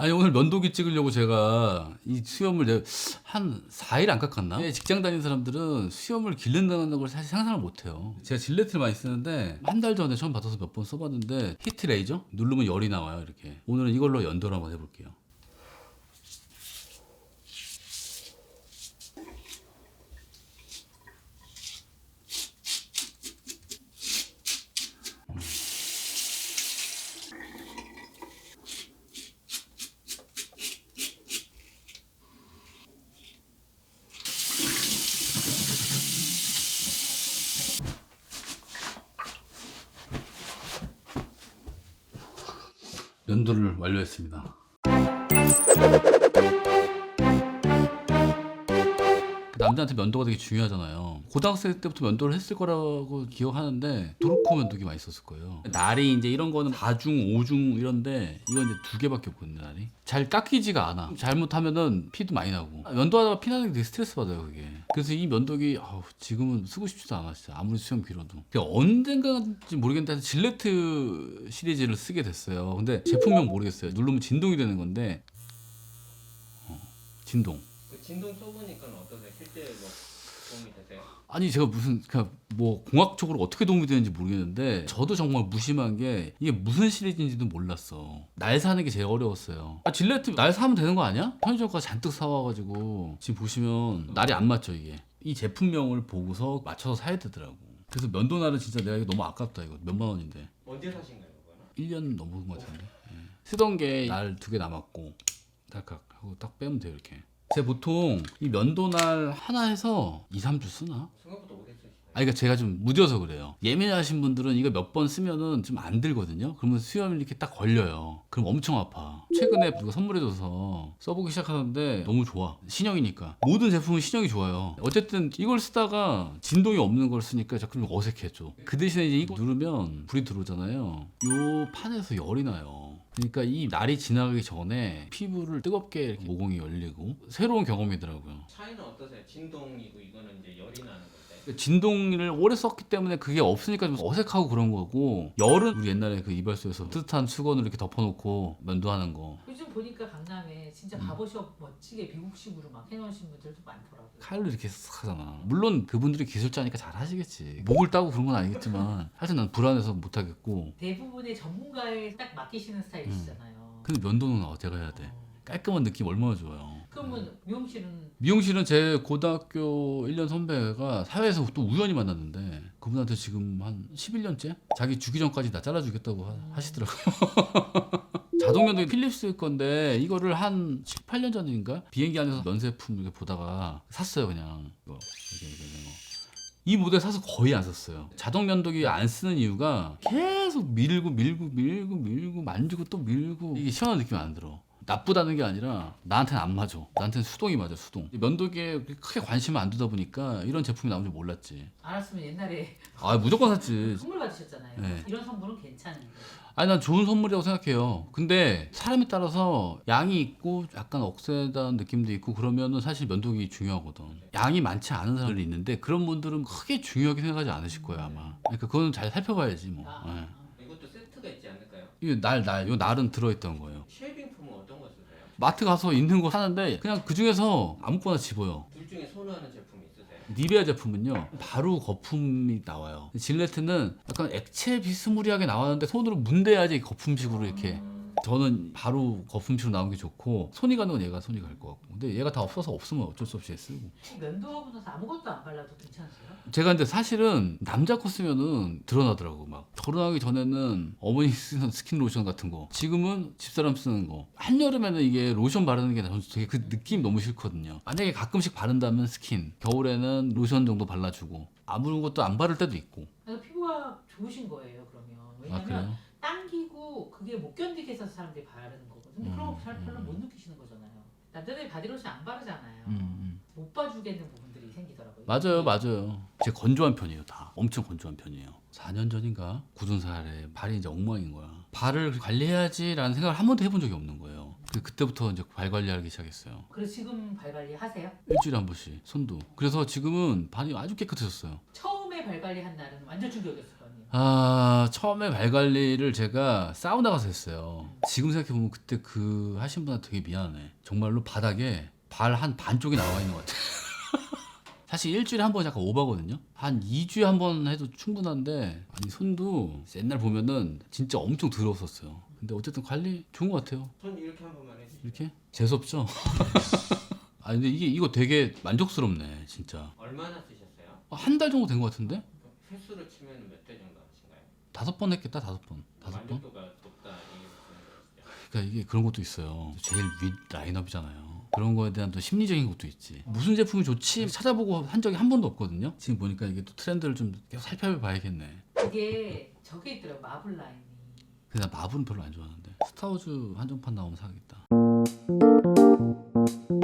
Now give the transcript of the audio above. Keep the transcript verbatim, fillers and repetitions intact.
아니 오늘 면도기 찍으려고 제가 이 수염을 내가 한 사 일 안 깎았나? 예, 직장 다니는 사람들은 수염을 기른다는 걸 사실 상상을 못 해요. 제가 질레트를 많이 쓰는데 한 달 전에 처음 받아서 몇 번 써봤는데 히트 레이저? 누르면 열이 나와요 이렇게. 오늘은 이걸로 연도를 한번 해볼게요. 연도를 완료했습니다. 남자한테 면도가 되게 중요하잖아요. 고등학생 때부터 면도를 했을 거라고 기억하는데 도르코 면도기 많이 썼을 거예요. 날이 이제 이런 거는 사 중, 오 중 이런데 이건 이제 두 개밖에 없거든요. 날이 잘 깎이지가 않아. 잘못하면은 피도 많이 나고 면도하다가 피 나는 게 되게 스트레스 받아요 그게. 그래서 이 면도기 아우, 지금은 쓰고 싶지도 않아 진짜. 아무리 수염 길어도. 언젠가인지 모르겠는데 질레트 시리즈를 쓰게 됐어요. 근데 제품명 모르겠어요. 누르면 진동이 되는 건데 어, 진동. 그 진동 써보니까 어떠세요? 실제 뭐 도움이 되세요? 아니 제가 무슨 그냥 뭐 공학적으로 어떻게 도움이 되는지 모르겠는데 저도 정말 무심한 게 이게 무슨 시리즈인지도 몰랐어. 날 사는 게 제일 어려웠어요. 아 질레트 날 사면 되는 거 아니야? 편의점 가서 잔뜩 사와가지고 지금 보시면 날이 안 맞죠 이게. 이 제품명을 보고서 맞춰서 사야 되더라고. 그래서 면도날은 진짜 내가 이거 너무 아깝다 이거 몇만 원인데. 언제 사신 거예요, 그거는? 일 년 넘은 것 같은데. 예. 쓰던 게 날 두 개 남았고 딸깍 하고 딱 빼면 돼요 이렇게. 제가 보통 이 면도날 하나 해서 이, 삼 주 쓰나? 생각보다 오래 쓰시네요. 아니, 그러니까 제가 좀 무뎌서 그래요. 예민하신 분들은 이거 몇 번 쓰면은 좀 안 들거든요. 그러면 수염이 이렇게 딱 걸려요. 그럼 엄청 아파. 최근에 누가 선물해줘서 써보기 시작하는데 너무 좋아. 신형이니까. 모든 제품은 신형이 좋아요. 어쨌든 이걸 쓰다가 진동이 없는 걸 쓰니까 자꾸 좀 어색해 좀. 그 대신에 이제 이거 누르면 불이 들어오잖아요. 요 판에서 열이 나요. 그러니까 이 날이 지나가기 전에 피부를 뜨겁게 이렇게 모공이 열리고 새로운 경험이더라고요. 차이는 어떠세요? 진동이고 이거는 이제 열이 나는 건데. 진동을 오래 썼기 때문에 그게 없으니까 좀 어색하고 그런 거고, 열은 우리 옛날에 그 이발소에서 뜨뜻한 수건으로 이렇게 덮어놓고 면도하는 거. 요즘 보니까 강남에 진짜 바버숍 멋지게 미국식으로 막 해놓으신 분들도 많더라고요. 칼로 이렇게 싹 하잖아. 물론 그분들이 기술자니까 잘 하시겠지. 목을 따고 그런 건 아니겠지만 하여튼 난 불안해서 못 하겠고. 대부분의 전문가에 딱 맡기시는 스타일이시잖아요. 근데 면도는 어제가 해야 돼. 깔끔한 느낌 얼마나 좋아요. 그러면 미용실은 미용실은 제 고등학교 일 년 선배가 사회에서 또 우연히 만났는데 그분한테 지금 한 십일 년째 자기 주기 전까지 나 잘라주겠다고 하- 하시더라고요. 자동 면도기 필립스 건데 이거를 한 칠, 팔 년 전인가 비행기 안에서 면세품 이렇게 보다가 샀어요 그냥. 이거 이렇게 이렇게 이런 거. 이 모델 사서 거의 안 썼어요. 자동 면도기 안 쓰는 이유가 계속 밀고 밀고 밀고 밀고 만지고 또 밀고 이게 시원한 느낌이 안 들어. 나쁘다는 게 아니라 나한테는 안 맞아. 나한테는 수동이 맞아 수동. 면도기에 크게 관심을 안 두다 보니까 이런 제품이 나온 줄 몰랐지. 알았으면 옛날에 아 무조건 샀지. 선물 받으셨잖아요. 네. 이런 선물은 괜찮은데. 아니 난 좋은 선물이라고 생각해요. 근데 사람에 따라서 양이 있고 약간 억세다는 느낌도 있고 그러면은 사실 면도기 중요하거든. 양이 많지 않은 사람들이 있는데 그런 분들은 크게 중요하게 생각하지 않으실 거예요 아마. 그러니까 그거는 잘 살펴봐야지 뭐. 아, 예. 아. 이것도 세트가 있지 않을까요? 이게 날, 날, 요 날은 들어있던 거예요. 쉐이빙 폼은 어떤 거 쓰세요? 마트 가서 있는 거 사는데 그냥 그 중에서 아무거나 집어요. 둘 중에 선호하는 제품이 있으세요? 니베아 제품은요 바로 거품이 나와요. 질레트는 약간 액체 비스무리하게 나왔는데 손으로 문대야지 거품식으로 이렇게. 저는 바로 거품식으로 나온 게 좋고 손이 가는 건 얘가 손이 갈 것 같고, 근데 얘가 다 없어서 없으면 어쩔 수 없이 쓰고. 면도하고 나서 아무것도 안 발라도 괜찮으세요? 제가 근데 사실은 남자 거 쓰면은 드러나더라고. 막 결혼하기 전에는 어머니 쓰는 스킨 로션 같은 거, 지금은 집사람 쓰는 거. 한여름에는 이게 로션 바르는 게 저는 되게 그 느낌 너무 싫거든요. 만약에 가끔씩 바른다면 스킨, 겨울에는 로션 정도 발라주고 아무것도 안 바를 때도 있고. 그래서 피부가 좋으신 거예요 그러면. 아 왜냐면 그래요? 당기고 그게 못 견디게 해서 사람들이 바르는 거거든요. 근데 그런 거 잘 별로 음. 못 느끼시는 거잖아요. 남자들이 바디로션 안 바르잖아요. 음, 음. 못 봐주겠는 부분들이 생기더라고요. 맞아요, 맞아요. 제가 건조한 편이에요, 다. 엄청 건조한 편이에요. 사 년 전인가? 굳은 살에 발이 이제 엉망인 거야. 발을 관리해야지라는 생각을 한 번도 해본 적이 없는 거예요. 그- 그때부터 이제 발 관리하기 시작했어요. 그래서 지금 발 관리 하세요? 일주일에 한 번씩 손도. 그래서 지금은 발이 아주 깨끗해졌어요. 처음에 발 관리 한 날은 완전 충격이었을 거 아니에요. 아 처음에 발 관리를 제가 사우나 가서 했어요. 지금 생각해보면 그때 그 하신 분한테 되게 미안해. 정말로 바닥에 발 한 반 쪽이 나와 있는 것 같아. 사실 일주일에 한 번 약간 오버거든요. 한 이 주에 한 번 해도 충분한데 아니 손도 옛날 보면은 진짜 엄청 더러웠었어요. 근데 어쨌든 관리 좋은 것 같아요. 손 이렇게 한 번만 해주세요. 이렇게 재수없죠? 아 근데 이게 이거 되게 만족스럽네 진짜. 얼마나 쓰셨어요? 한 달 정도 된 것 같은데? 횟수로 치면 몇 대 정도 하신가요? 다섯 번 했겠다 다섯 번. 다섯 번? 만족도가 높다 이게 무슨 거죠? 그러니까 이게 그런 것도 있어요. 제일 윗 라인업이잖아요. 그런 거에 대한 또 심리적인 것도 있지. 무슨 제품이 좋지 찾아보고 한 적이 한 번도 없거든요. 지금 보니까 이게 또 트렌드를 좀 계속 살펴봐야겠네. 그게 저게 있더라고 마블 라인이. 근데 나 마블은 별로 안 좋아하는데 스타워즈 한정판 나오면 사겠다.